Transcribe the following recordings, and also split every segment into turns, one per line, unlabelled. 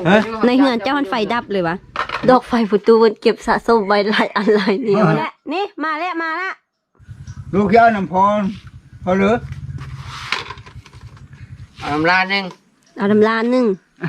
ในเฮือนเจ้ามันไฟดับเลยวะดอกไฟประตูมันเก็บสะสมไว้หลายอันหลายเนี่ยและนี่มาแล้วมาละ
ลูกเจ้าน้ำพรพอหรือ
เอาน้ำลาหนึ่ง
เอาน้ำลานหนึ่ง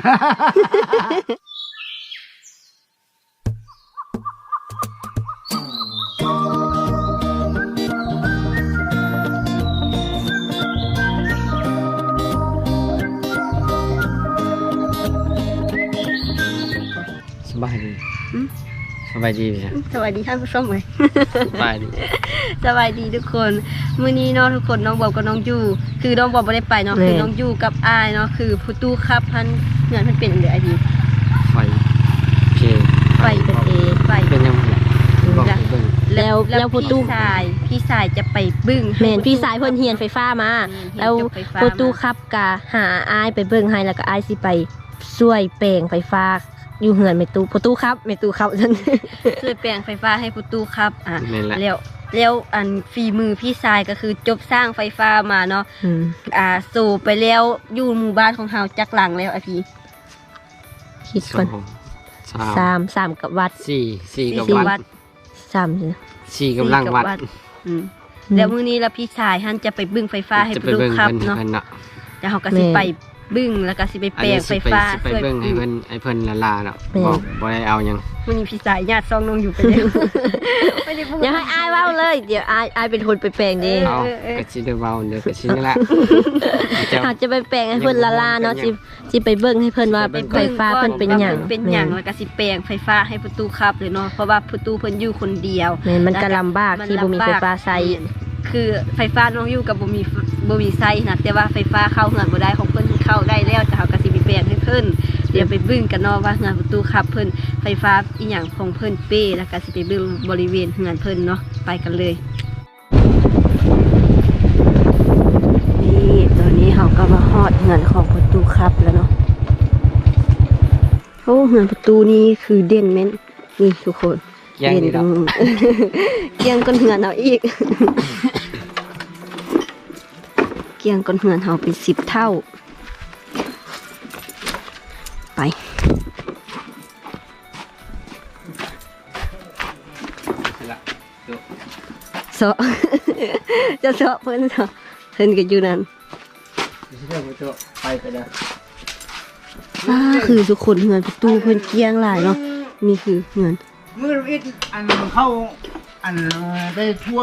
สบายดีสบายดีไหม
สวัสดีท่านผู้ชมเลย
สบายดี
สบายดีทุกคนมื้อนี้เนาะทุกคนน้องบอกกับน้องยูคือน้องบอกไม่ได้ไปเนาะคือน้องยูกับอายเนาะคือผู้ตู้ครับพันเงินมันเป็นอะไรไอดี
ไฟเพลง
ไฟเป็นเอไฟ
เป็นยังไงบอกเบิ่ง
แล้วผู้ตู้พี่สายจะไปบึ้งแม่นพี่สายเพิ่นเฮียนไฟฟ้ามาแล้วผู้ตู้ครับกะหาอายไปเบิ่งให้แล้วก็อายสิไปช่วยแปลงไฟฟ้าอยู่เหือนเมตูประตูครับเมตูครับช่วยแปลงไฟฟ้าให้ประตูครับแล้วอันฝีมือพี่ชายก็คือจบสร้างไฟฟ้ามาเนาะสู่ไปแล้วอยู่หมู่บ้านของเฮาจักหลังแล้วไอพี่คิดก่อนสามกับวัด
สี่กับวัดสี่กับลังวัด
แล้วมื้อนี้แล้วพี่ชายท่านจะไปบึ้งไฟฟ้าให้ประตูครับเนาะแล้วเฮาก็สิไปบึ้งแล้วก็สิไปแปลงไฟฟ้า
ช่วยเบิ่งให้เพิ่นละลาเนาะบอกบ่ได้เอายัง
มันมีพี่สายญาติซองน้องอยู่ไปแล้วอย่าให้อายเว้าเลยเดี๋ยวอายเป็นคนไปแปลงเอง
เอาก็สิได้เว้าเดี๋ยวก็สินี่แหละ
หากจะไปแปลงให้เพิ่นละลาเนาะสิไปเบิ่งให้เพิ่นว่าไฟฟ้าเพิ่นเป็นหยังแล้วก็สิแปลงไฟฟ้าให้ประตูครับเลยเนาะเพราะว่าประตูเพิ่นอยู่คนเดียวมันก็ลำบากที่บ่มีไฟฟ้าใช้คือไฟฟ้าน้องอยู่กับบ่มีไซนะแต่ว่าไฟฟ้าเข้าเฮือนบ่ได้ของเพิ่นเข้าได้แล้วแต่เฮาก็สิไปแปลงให้เพิ่นเดี๋ยวไปบึ้งกันเนาะว่าเฮือนประตูครับเพิ่นไฟฟ้าอีหยังของเพิ่นเป้แล้วก็สิไปบึ้งบริเวณเฮือนเพิ่นเนาะไปกันเลยนี่ตอนนี้เฮาก็มาฮอดเฮือนของประตูครับแล้วเนาะโอ้เฮือนประตูนี้คือเด่นแม่นนี่ทุกคน
เด่น
เกียงก้นเหือนเอาอีกเกียงก้นเหือนเอาเป็น10 เท่าไปเสาะจะเสาะเพิ่นเสาะเพิ่นก็อยู่นั่น
ไปเลย
คือทุกคนเหือนประตูเพิ่นเกียงหลายเนาะนี่คือเหือน
มืออิดอันเข้าอันได้ทั่ว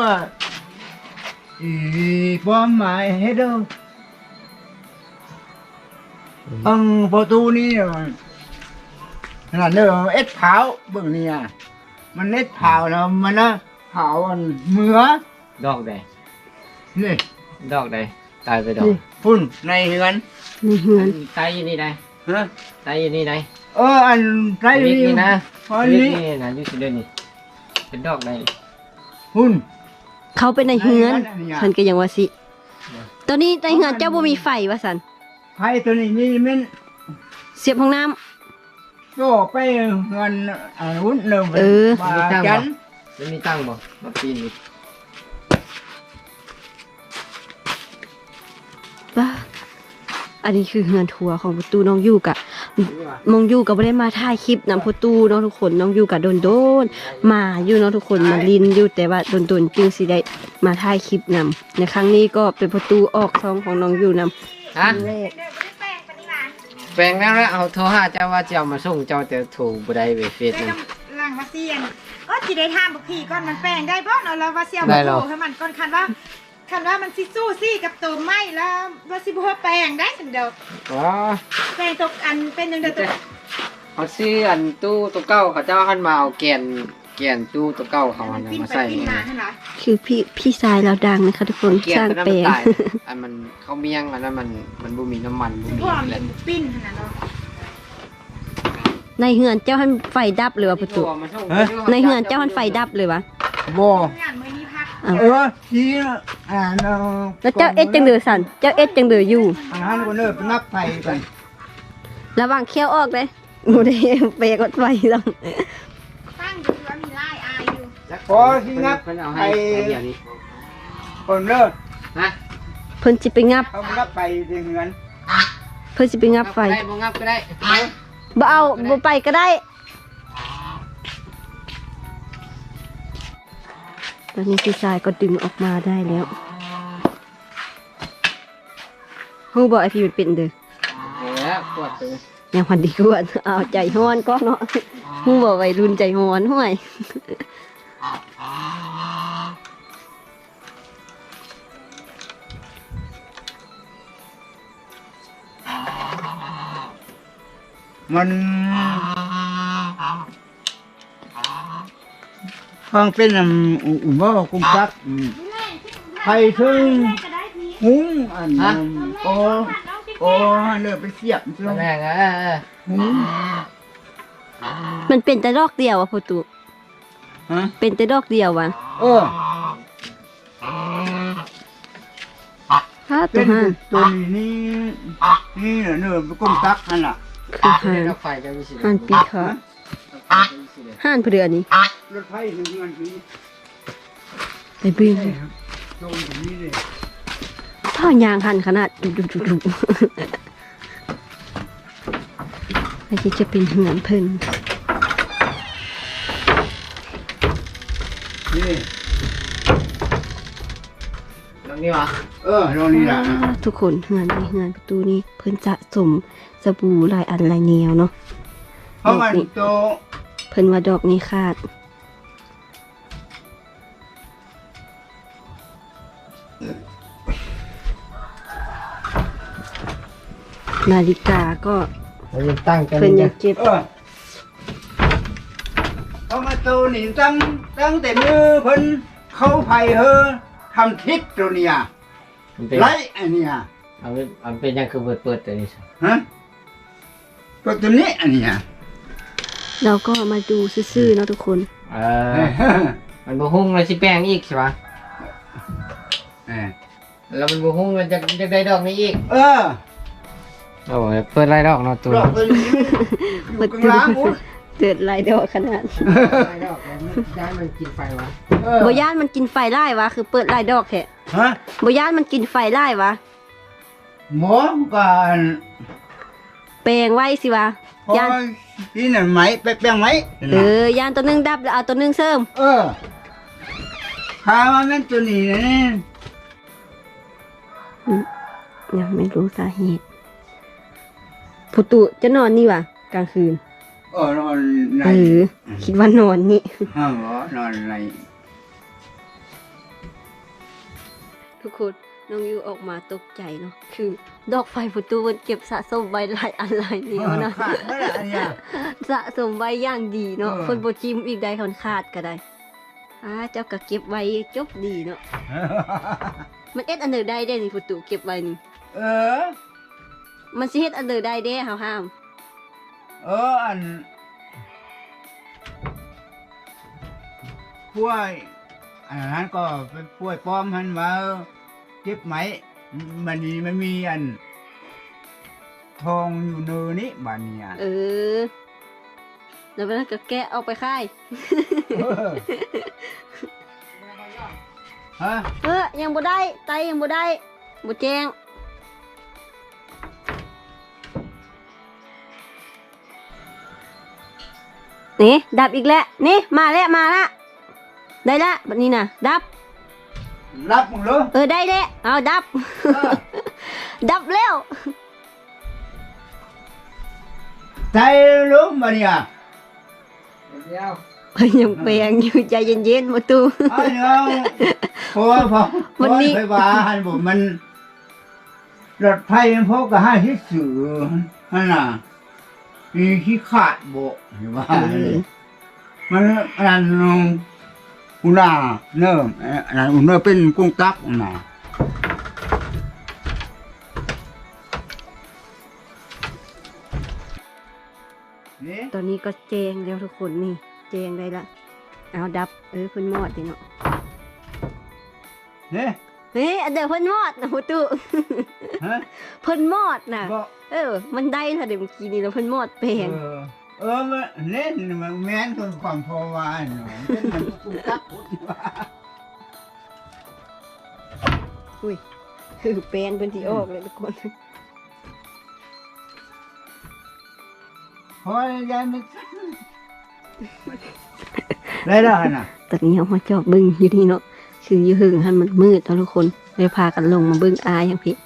ความหมายให้เด้อประตูนี้ขนาดเด้อเอ็ดเผาเบิ่งนี่มันเอ็ดเผาแล้วมันนะเผาอันเมือ
ดอกใด
นี่
ดอกใดตายไปดอก
พุ่นในเฮือน
ตายอยู่นี่ใดตายอยู่นี่ใด
อันไร
นี่นะนี่นะอยู่ที่เดินนี่เป็นดอกใด
พุ่น
เขาเป็นในเฮือนเพิ่นก็ยังว่าสิตอนนี้ในเฮือนเจ้าบ่มีไฟว่าซั่น
ไฟตัวนี้นี่มัน
เสียบห้องน้
ำก็ไปเงินหุ้นเดิม
มีตั้งบ่จะมีตั้งบ่มาปีนนี่
บ้าอันนี้คือเฮือนทัวร์ของประตูน้องอยู่กับน้องอยู่กับไม่ได้มาถ่ายคลิปนำประตูน้องทุกคนน้องอยู่กับโดนมาอยู่น้องทุกคนมาลินอยู่แต่ว่าโดนจึงสิได้มาถ่ายคลิปนำในครั้งนี้ก็เป็นประตูออกซองของน้องอยู่นำ
แปลงแล้วเอาโทรหาเจ้าว่าจะเอามาส่งเจ้าแต่ถูกบ่ได้เวเฟสนั่น
ล่างว่าเซียนก็สิได้ทานบักผีก่อนมันแปลงได้บ่เนาะแล้วว่าเสียวบ่ถูกให้มันก่อนคันว่ามันสิสู้ซี่กับตัวไม้แล้วว่าสิบ่แปลงได้ซั่นเด้อแปลงตกอันเป็นจังได๋ตัว
เขาซื้ออันตู้ตัวเก่าเขาเจ้าหันมาเอาแกนตู้ตัวเก่าเขามาใส่
คือพี่ชายเราดังนะคะทุกคนสร้างแปลง
อันมันเขาเมี่ยงอันนั้นมันบ่มีน้ำมันบ่มีอะไร
ปิ้นขนาดเนาะ
ในเฮือนเจ้าหันไฟดับเลยว่ะประตูในเฮือนเจ้าหันไฟดับเลยวะ
บ่ที
แล้วเจ้าเอ็ดจังเดือสั่นเจ้าเอ็ดจังเดืออยู่
คนเด้อนับไฟกัน
ระวังเคี้ยวออกเลยบ่ได้เปรกดไฟแล้ว
ตั้งอยู่ว่ามีลายอายอยู่
พอที่นับไฟคนเด้อ
เพิ่นสิไปงับ
เอานับไฟเดือน
เพิ่นสิไปงับไฟ
บ่งับก็ได้
บ่เอาบ่ไปก็ได้ตอนนี้พี่ชายก็ดึงออกมาได้แล้วฮู้บ่ไอพี่มันเป็นเด้อ
แล้วปวดเลย
ยังพันดีกว่าเอาใจฮ้อนก็เนาะฮู้บ่วัยรุ่นใจฮ้อนห้วย
มันฟังเป็นว่ากุ้งจักไผ่ถึงหุงอันโอ้เลือไปเสียบ
ตอนแรกอ่ะ
หุง
มันเป็นแต่ดอกเดียวอ่ะพ่อตู่
ฮะ
เป็นแต่ดอกเดียวว่ะ
เออ
ฮะ
เป็
ตัวน ห้า
ตัวนี้นี่เนื้อกุ้งจักนั่นล่ะ
คือห่าน
รถไฟจะมีสิ
ห่านปีขาห่านเพื่อนนี่
รถไฟหนึ่งมันคือ
ไปบึ้ง
ตรงนี้เลย
ถ้ายางหันขนาดดุไอ้ที่จะเป็นเหือนเพิ่น
นี่
ตรงนี้วะ
ตรงนี้แหละ
ทุกคนเหือนนี่เหือนประตูนี้เพิ่นจะสมสบู่หลายอันหลายแนวเนาะ
เพราะมันโต
เพิ่นว่าดอกนี้ขาดนาฬิกาก็
เราจะตั้งกัน
เพิ่นยังเก็บ
เพราะมันโตนี่ตั้งแต่มือเพิ่นเข้าไผ่ทำทิศตัวเนี้ย
มันเป็น
ไรอันเนี้ย
มันเป็นยังคือเปิดตัวนี้
ฮะตัวนี้อันเนี้ย
เราก็มาดูซื่อๆเนาะทุกคน
มันบูหุ้งเลยสิแป้งอีกใช่ปะ
เออ
แล้วมันบูหุ้งมันจะได้ดอกนี้อีก
เออ
โอ้ยเปิดไรดอกเนาะตัว
ดอกตัวนี้อยู่กลางหมด
เกิดลายดอกขนาด
ไรดอกย้ายมันกินไฟวะ
บ่ย่านมันกินไฟไล่วะคือเปิดลายดอกแท้
ฮะ
บ่ย่านมันกินไฟไล่วะ
หมอกัน
แปลงไว้สิวะ
พอย่
าน
ที่นั่นไหมไปแปลงไหม
ย่านตัวหนึงดับแล้วเอาตัวหนึงเสริม
ข้ามันเป็นตัวนี้นะเนี่ย
ยังไม่รู้สาเหตุผู้ตุจะนอนนี่วะกลางคืน
นอนใน
คิดว่านอนนี่
ห้องเหรอนอนใน
ทุกคนน้องยูออกมาตกใจเนาะคือ ดอกไฟประตูมันเก็บสะสมไว้หลายอันหลายแนวนะ
ขาดไม่ได้อันเนี้ย
สะสมไว้อย่างดีเนาะ
เออ
คนบ่จิ้มอีกได้คนขาดก็ได้เจ้าก็เก็บไว้จบดีเนาะมันเอ็ดอันเดอร์ได้เด้นี่ประตูเก็บไว้นี่
เออ
มันสิเฮ็ดอันเดอร์ได้เด้เฮาห้าม
อันป่วยอันนั้นก็เป็นป่วยป้อมหันมาเจ็บไหมมันนี่มันมีอัน ทองอยู่เนอนี้บ้านเนี่ย
แล้วมันก็แกะเอาไปค่าย
ฮะ
ยังบ่ได้ไตยังบ่ได้บ่แจ้งนี่ดับอีกแล้วนี่มาแล้วได้ละบัดนี้น่ะดับ
รับมึงเหรอ
ได้แล้วเอาดับ ดับแล้ว
ใจรู้มาเนี่ย
เดียว
เพิ่นยังแปลงอยู่ใจเย็นๆมาตู
ไอ้เนาะเพราะว่าพอ
วันนี้
ไฟฟ้าหันผมมันรถไฟมันพกกับ5ที่สื่อฮั่นน่ะมีขี้ขาดโบะอยู่ว่ามันอันนั้นอุณาเนิ่มอันนั้นอุณาเป็นกุ้งตักน่ะนี่
ตอนนี้ก็แจ้งแล้วทุกคนนี่แจ้งได้ละเอาดับเพิ่นมอดดิเนาะ
นี่
อันเดี๋ยวเพิ่นมอดนะมาตู
ฮะ
เพิ่นมอดน่ะ
บอก
มันได้ถ้าเดี๋ยวเมื่อกี้นี้แล้วเพิ่นมอดแปลง
มันเล่นมันแม่นคนความพอวานเนาะเป็นมันกุ้งตักพุ่นว่า
อุ้ยคือแปลงเพิ่นที่ออกเลยทุกคน
โอ้ยยายมันได้แล้วน่ะ
ตอนนี้เอามาจอบบึ้งอยู่นี่เนาะคืออยู่หึงให้มันมืดเนาะทุกคนเลยพากันลงมาบึ้งอายอย่างพี่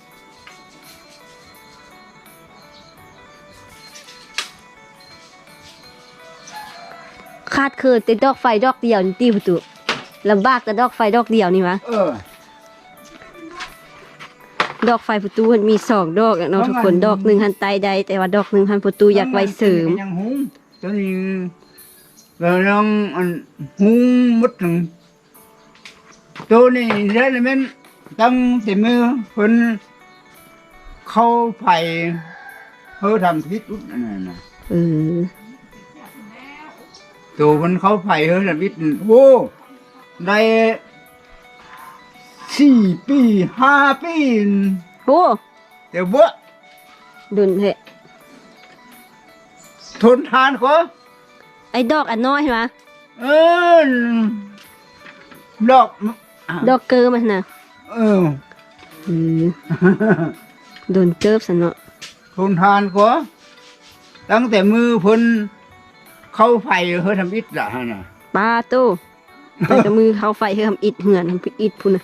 คาดคือติดดอกไฟดอกเดียวนี่ตีประตูลำบากแต่ดอกไฟดอกเดียวนี่วะดอกไฟประตูมันมี2 ดอกเนาะทุกคนดอกหนึ่งหันใต้ใดแต่ว่าดอกหนึ่งหันประตูอยากไว้เสริม
ยังหุงตัวนี้เราลองหุงมดหนึ่งตัวนี้ได้เลยมันตั้งแต่มือคนเข้าไฟเขาทำพิษอุดนั่นน่ะ ตัวมันเข้าไฟเขาทำพิษโอ้ได้4 ปี5 ปี
โอ้
เดี๋ยวบ่
ดุนเหะ
ทนทานเขา
ไอ้ดอกอันน้อยใช่ไหม
เออดอก
ดอกเกอร์มันนะ
เออ
โดนเกิบสนเนาะ
ทนทานเขาตั้งแต่มือเพิ่นเข้าไฟเขาทำอิฐละฮะน่ะ
ปลาตู้แต่กับมือเขาไฟให้ทำอิดเหือนทำอิดพุ่นนะ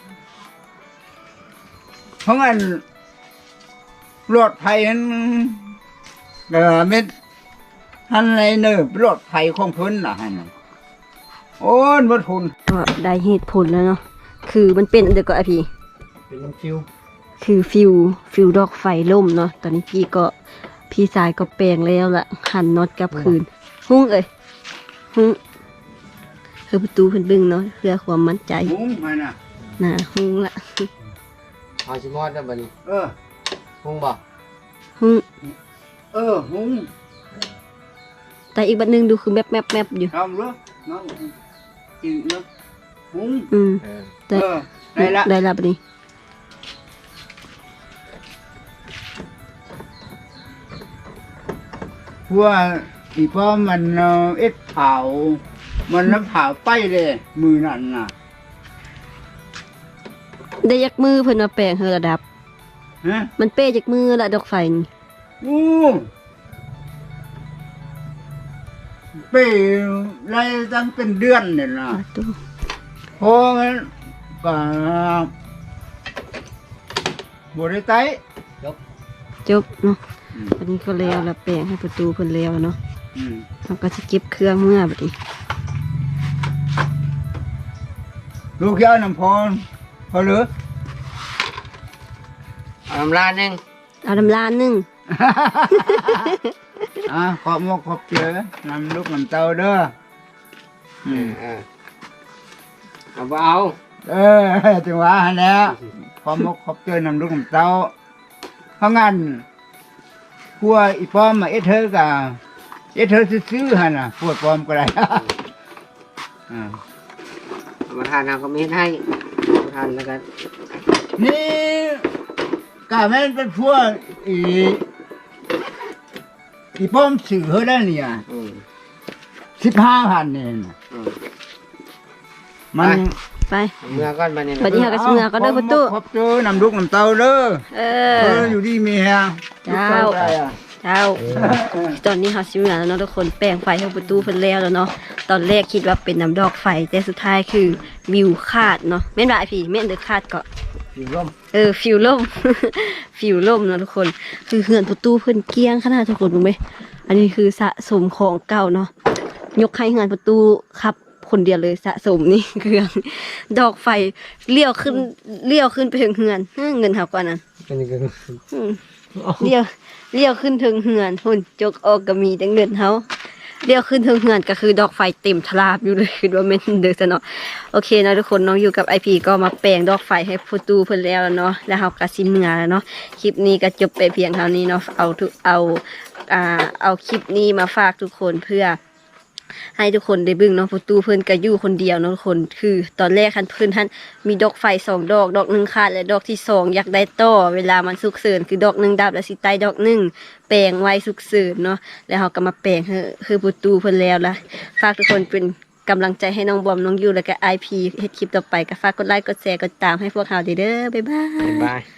เพราะงั้นรถไฟนั้นเม็ดท่านอะไรเนอะรถไฟของเพิ่นล่ะฮะน่ะโอ้ยบ่ทน
ก็ได้เหตุผลแล้วเนาะคือมันเป็นเดี๋ยวก็ไอพี่
เป็นน้ำคิว
คือฟิวดอกไฟล่มเนาะตอนนี้พี่สายก็แปลงแล้วล่ะหันน็อตกลับคืนหุ้งเอ้ยหุ้งคือประตูเพิ่นบึ้งเนาะเพื่อความมั่นใจ
หุงมาน่ะ
น่ะหุ้งละ
เอาชิมอดได้บ่นี่
เออ
พุงบ่
หุ้ง
หุง
แต่อีกบัดหนึงดูคือแมบอยู่
ทำเด้อน้องกินเด้อหุง
เออ
แต่
ได้ละ
ได้ละบัดนี้
เพราะว่าอีพ่อมันเอ็ดเผามันน้ำเผาไปเลยมือนั่นน่ะ
ได้ยักมือเพิ่นมาแปลงเฮอระดับ
ฮะ
มันเป้จากมือละดอกไฟนี่
อู้ไปไรตั้งเป็นเดือนเนี่ยนะ
ตู้
เพราะงั้นก็บริไต
จบเนาะวันนี้ก็แล้วละแปลงให้ประตูเพิ่นแล้วเนาะเราก็จะเก็บเครื่องเมื่อบัดนี้
ลูกยาน้ำพรพอเหรือ
เอาน้ำลาดนึง
เอาน้ำลานนึง
ขอบมกขอบเจอนำลูกน้ำเต้าเด้อ
เอาบ่เอา
จังหวะหันแหล้วขอบมกขอบเจอนำลูกน้ำเต้าเพราะงั้นพวกอีป้อมมาเอเธอกะเอเธอซื้อๆหันน่ะพวกป้อมก็ได้
มาทานเอาก็มีให้มาทานแล้วกัน
นี่กะแม่นเป็นพวกอีป้อมสื่อเขาได้เนี่ย 15,000เนี่ยน่ะมัน
ไป
เมื่อก่อนมาเนี่ย
บัดนี้เฮาก็สิเมื่อก็เด้อประตู
ขอบเจอนำลูกน้ำเต้าเด้อ
เอ
อยู่ดีมีแฮง
เจ้า เจ้า ตอนนี้เฮาสิเมื่อแล้วเนาะทุกคนแปลงไฟให้ประตูเพิ่นแล้วเนาะตอนแรกคิดว่าเป็นน้ำดอกไฟแต่สุดท้ายคือวิวขาดเนาะแม่นบ่ไอพี่แม่นเด้อขาดก็
อยู่ร่ม
ฟิวล่ม ฟิวล่มเนาะทุกคน คือเหือนประตูเพิ่นเกลี้ยงขนาดทุกคนรู้ไหมอันนี้คือสะสมของเก่าเนาะยกให้เหือนประตูครับคนเดียวเลยสะสมนี่ เครื่องดอกไฟเลี้ยวขึ้นไปถึงเหือนเงินเฮาก่อนนั้น
เป็นยังไง
อืมเลี้ยวขึ้นถึงเหือนหุ่นจกออกก็มีแต่เงินเฮาเลี้ยวขึ้นถึงเหือนก็คือดอกไฟเต็มทลาบอยู่เลยคือว่าแม่นเด้อซะเนาะโอเคเนาะทุกคนน้องอยู่กับ IP ก็มาแปลงดอกไฟให้ประตูเพิ่นแล้วเนาะแล้วเฮาก็สิเมื่อแล้วเนาะคลิปนี้ก็จบไปเพียงเท่านี้เนาะเอาคลิปนี้มาฝากทุกคนเพื่อให้ทุกคนได้เบิ่งเนาะประตูเพิ่นก็อยู่คนเดียวเนาะทุกคนคือตอนแรกคันเพิ่นท่านมีดอกไฟ2 ดอกดอกหนึงขาดและดอกที่2อยากได้ต่อเวลามันสุกเสริญคือดอกหนึงดับแล้วสิใต้ดอกหนึงแปลงไว้สุกเสริญเนาะแล้วเฮาก็มาแปลงคือประตูเพิ่นแล้วล่ะฝากทุกคนเป็นกำลังใจให้น้องบอมน้องยูแล้วก็ IP เฮ็ดคลิปต่อไปก็ฝากกดไลค์กดแชร์กดตามให้พวกเราเด้อบ๊ายบาย
บ๊ายบาย